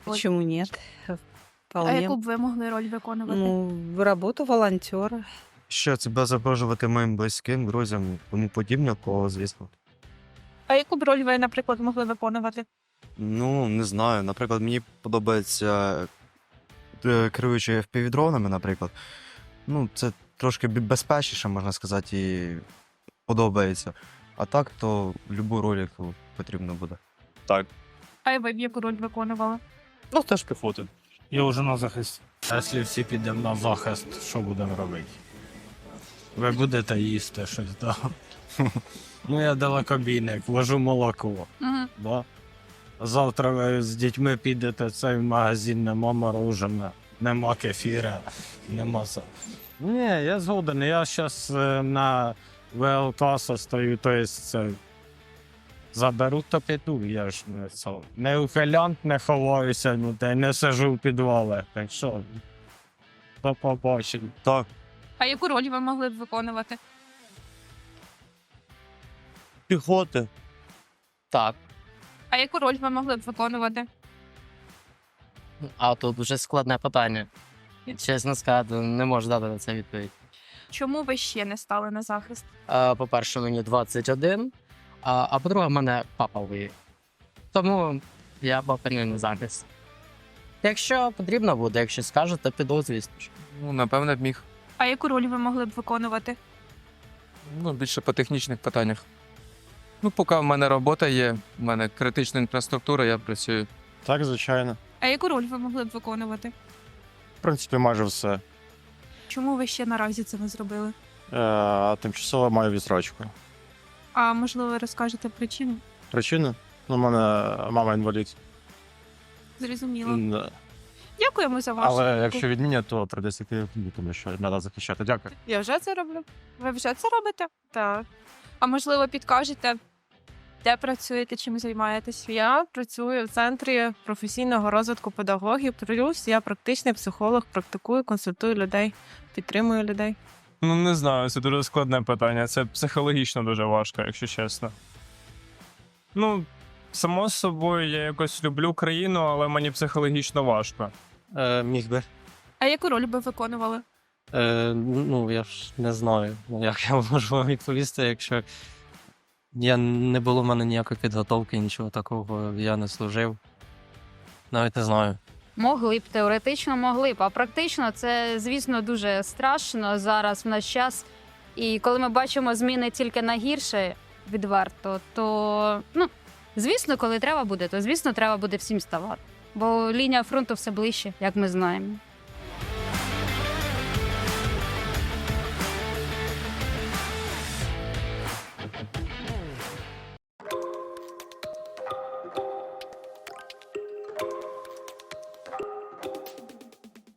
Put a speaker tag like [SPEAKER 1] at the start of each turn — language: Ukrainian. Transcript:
[SPEAKER 1] Почему нет?
[SPEAKER 2] А
[SPEAKER 1] Вполне.
[SPEAKER 2] яку б ви могли роль виконувати?
[SPEAKER 1] Ну, работу волонтера.
[SPEAKER 3] Щоб себе запрошувати моїм близьким, друзям, тому подібне, кого, звісно.
[SPEAKER 2] А яку б роль ви, наприклад, могли виконувати?
[SPEAKER 3] Ну, не знаю. Наприклад, мені подобається керуючи FPV-дронами, наприклад. Ну, це трошки безпечніше, можна сказати, і подобається. А так, то любу роль, яку потрібно буде.
[SPEAKER 4] Так.
[SPEAKER 2] А ви б яку роль виконували?
[SPEAKER 4] Ну, теж піхоти.
[SPEAKER 5] Я вже на захисті. А якщо всі підемо на захист, що будемо робити? Ви будете їсти щось, так? Ну, я далекобійник, вожу молоко.
[SPEAKER 2] Угу.
[SPEAKER 5] Да? Завтра ви з дітьми підете в цей магазин, нема мороженого, нема кефіра, нема все. Ні, я згоден. Я зараз на ВЛК состою, то це заберу, то піду. Я ж не ухилянт, не ховаюся, не сижу в підвалах. Так що, до побачення.
[SPEAKER 3] Так.
[SPEAKER 2] А яку роль ви могли б виконувати?
[SPEAKER 3] Піхоти.
[SPEAKER 6] Так,
[SPEAKER 2] А яку роль ви могли б виконувати?
[SPEAKER 6] а тут вже складне питання. Чесно сказати, не можу дати на це відповідь.
[SPEAKER 2] Чому ви ще не стали на захист?
[SPEAKER 6] По-перше, мені 21, а по-друге, в мене папа воює. Тому я поперню на захист. Якщо потрібно буде, якщо скажуть, то піду, звісно ж.
[SPEAKER 7] Ну, напевне, б міг.
[SPEAKER 2] А яку роль ви могли б виконувати?
[SPEAKER 7] Ну, більше по технічних питаннях. Ну, поки в мене робота є, в мене критична інфраструктура, я працюю.
[SPEAKER 4] Так, звичайно.
[SPEAKER 2] А яку роль ви могли б виконувати?
[SPEAKER 4] В принципі, майже все.
[SPEAKER 2] Чому ви ще наразі це не зробили?
[SPEAKER 4] Тимчасово маю відсрочку.
[SPEAKER 2] А можливо, ви розкажете причину?
[SPEAKER 4] Причина? Ну, у мене мама інвалід.
[SPEAKER 2] Зрозуміло.
[SPEAKER 4] Да.
[SPEAKER 2] Дякуємо за вашу.
[SPEAKER 4] Але якщо відмінять, то прийдеться йти, тому що треба захищати. Дякую.
[SPEAKER 2] Я вже це роблю. Ви вже це робите? Так. А можливо, підкажете, де працюєте, чим займаєтесь?
[SPEAKER 8] Я працюю в центрі професійного розвитку педагогів, плюс я практичний психолог, практикую, консультую людей, підтримую людей.
[SPEAKER 9] Ну, не знаю, це дуже складне питання. Це психологічно дуже важко, якщо чесно. Ну, само собою, я якось люблю країну, але мені психологічно важко.
[SPEAKER 10] Міг би.
[SPEAKER 2] А яку роль би виконували?
[SPEAKER 10] Ну, я ж не знаю, як я можу вам відповісти, якщо не було в мене ніякої підготовки, нічого такого, я не служив. Навіть не знаю.
[SPEAKER 11] Могли б, теоретично могли б, а практично це, звісно, дуже страшно зараз в наш час. І коли ми бачимо зміни тільки на гірше, відверто, то, звісно, коли треба буде, то, звісно, треба буде всім ставати. Бо лінія фронту все ближче, як ми знаємо.